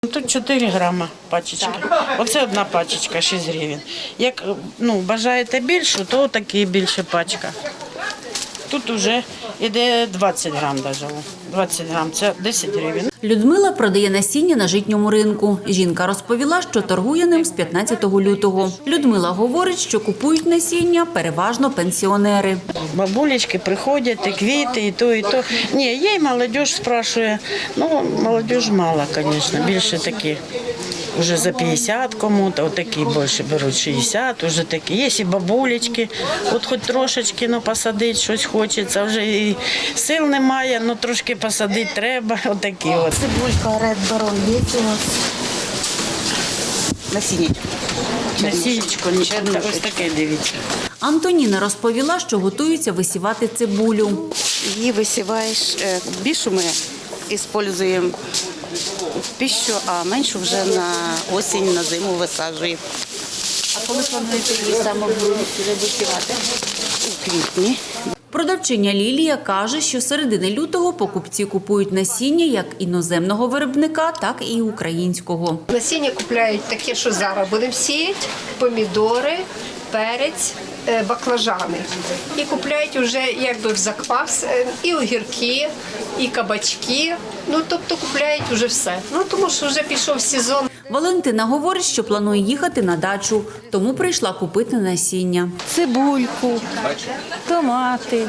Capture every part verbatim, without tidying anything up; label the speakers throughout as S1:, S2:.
S1: Тут чотири грама пачечка. Оце одна пачечка, шість гривень. Як ну, бажаєте більшу, то такі більше пачка. Тут вже йде двадцять грам навіть. двадцять грам – це десять гривень.
S2: Людмила продає насіння на житньому ринку. Жінка розповіла, що торгує ним з п'ятнадцятого лютого. Людмила говорить, що купують насіння переважно пенсіонери.
S1: Бабулечки приходять, і квіти, і то, і то. Ні, є й молодь спрашує. Ну, молодь мало, звісно, більше такі. Уже за п'ятдесят кому-то, такі більше беруть шістдесят, уже такі. Є і бабулечки, от хоч трошечки ну, посадити щось хочеться, вже і сил немає, ну трошки посадити треба, отакі от.
S3: Цибулька Ред Барон є у нас. Насіннячко.
S1: Насінечко, ось таке, дивіться.
S2: Антоніна розповіла, що готується висівати цибулю.
S3: Її висіваєш, більшу ми використовуємо в пищу, а меншу вже на осінь, на зиму висаджуємо.
S4: А коли плануєте її саме висівати?
S3: У квітні.
S2: Продавчиня Лілія каже, що з середини лютого покупці купують насіння як іноземного виробника, так і українського.
S5: Насіння купляють таке, що зараз будемо сіяти, помідори, перець, баклажани. І купляють вже якби в заквас і огірки, і кабачки. Ну, тобто купляють вже все. Ну, тому що вже пішов сезон.
S2: Валентина говорить, що планує їхати на дачу, тому прийшла купити насіння.
S6: Цибульку, томати,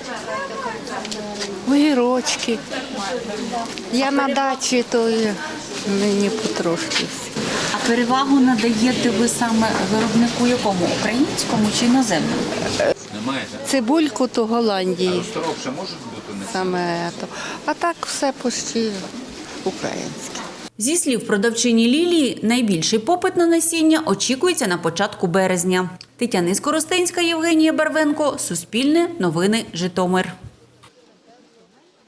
S6: огірочки. Я на дачі, то мені потрошки.
S4: А перевагу надаєте ви саме виробнику якому? Українському чи іноземному?
S6: Цибульку то Голландії. Саме то. А так все почти українське.
S2: Зі слів продавчині Лілії, найбільший попит на насіння очікується на початку березня. Тетяна Скоростенська, Євгенія Барвенко, Суспільне, Новини, Житомир.